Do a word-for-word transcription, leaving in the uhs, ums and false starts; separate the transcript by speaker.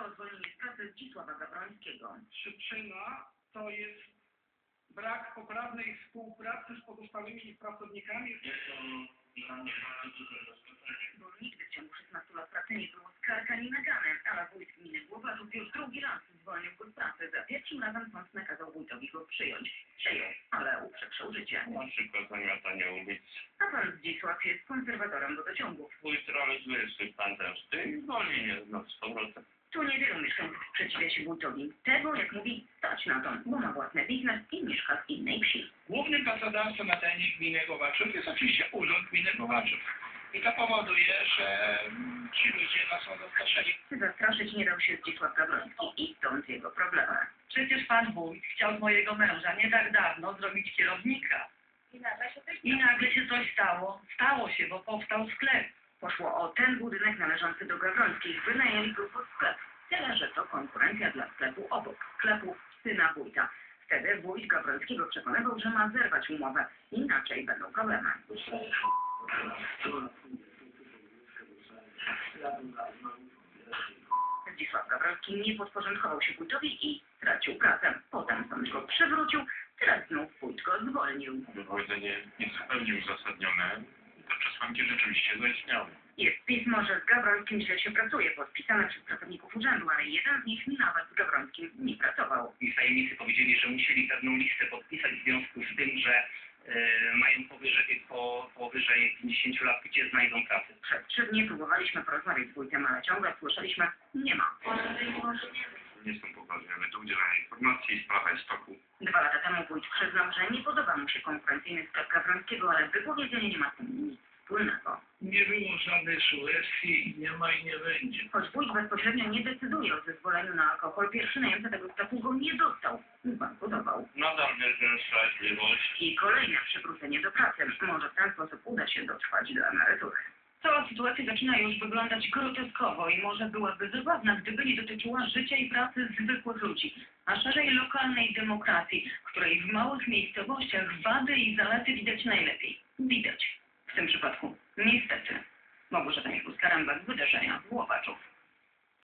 Speaker 1: o zwolnienie z pracy Zdzisława Gawrońskiego.
Speaker 2: Przyczyna to jest brak poprawnej współpracy z pozostałymi pracownikami.
Speaker 3: Jest to dla mnie bardzo duże zaskoczenie.
Speaker 1: Bo nigdy w ciągu szesnastu lat pracy nie było skarg ani nagany, ale wójt gminy Głowaczów już drugi raz zwolnił go z pracy. Za pierwszym razem sąd nakazał wójtowi go przyjąć. Przyjął, ale uprzekrzył życie.
Speaker 3: Na przykład zamiatanie ulic.
Speaker 1: A pan Zdzisław jest konserwatorem wodociągów.
Speaker 3: Wójt realizuje swój plan zemsty i zwolni mnie znów z powrotem.
Speaker 1: Tu niewielu mieszkańców sprzeciwia się wójtowi. Tego, jak mówi, stać na to, bo ma własny biznes i mieszka w innej wsi.
Speaker 2: Głównym pracodawcą na terenie gminy Głowaczów jest oczywiście Urząd Gminy Głowaczów. I to powoduje, że ci ludzie nas są zastraszeni.
Speaker 1: Zastraszyć nie dał się Zdzisław Gawroński i stąd jego problemy.
Speaker 4: Przecież pan wójt chciał z mojego męża nie tak dawno zrobić kierownika.
Speaker 1: I nagle się coś
Speaker 4: I nagle się coś stało. Stało się, bo powstał sklep.
Speaker 1: Poszło o ten budynek należący do Gawrońskich. Wynajęli go pod sklep. Tyle, że to konkurencja dla sklepu obok. Sklepu syna wójta. Wtedy wójt Gawrońskiego przekonywał, że ma zerwać umowę. Inaczej będą problemy. Zdzisław Gawroński nie podporządkował się wójtowi i stracił pracę. Potem sąd go przywrócił, teraz znów wójt go zwolnił.
Speaker 3: Wypowiedzenie jest zupełnie uzasadnione. Te przesłanki rzeczywiście zaistniały.
Speaker 1: Jest pismo, że z Gawrońskim źle się pracuje, podpisane przez pracowników urzędu, ale jeden z nich nawet z Gawrońskim nie pracował.
Speaker 5: I tajemnicy powiedzieli, że musieli pewną listę podpisać w związku z tym, że e, mają powyżej, po, powyżej pięćdziesięciu lat, gdzie znajdą pracę.
Speaker 1: Przez trzy dni próbowaliśmy porozmawiać z wójtem, ale ciągle słyszeliśmy, nie ma.
Speaker 3: Nie są poważni, ale do udzielania informacji, sprawa jest w toku.
Speaker 1: Dwa lata temu wójt przyznał, że nie podoba mu się konkurencyjny sklep Gawrońskiego, ale wypowiedzenie nie ma z tym nic wspólnego.
Speaker 2: Nie było żadnej sugestii, nie ma i nie będzie.
Speaker 1: Choć wójt bezpośrednio nie decyduje o zezwoleniu na alkohol, pierwszy najemca tego sklepu go nie dostał. Zbankrutował.
Speaker 3: Nadal wierzę w sprawiedliwość.
Speaker 1: I kolejne przywrócenie do pracy. Może w ten sposób uda się dotrwać do emerytury. Cała sytuacja zaczyna już wyglądać groteskowo i może byłaby zabawna, gdyby nie dotyczyła życia i pracy zwykłych ludzi, a szerzej lokalnej demokracji, której w małych miejscowościach wady i zalety widać najlepiej. Widać. W tym przypadku, niestety, Małgorzata Michłowska-Rembak, wydarzenia w Głowaczów.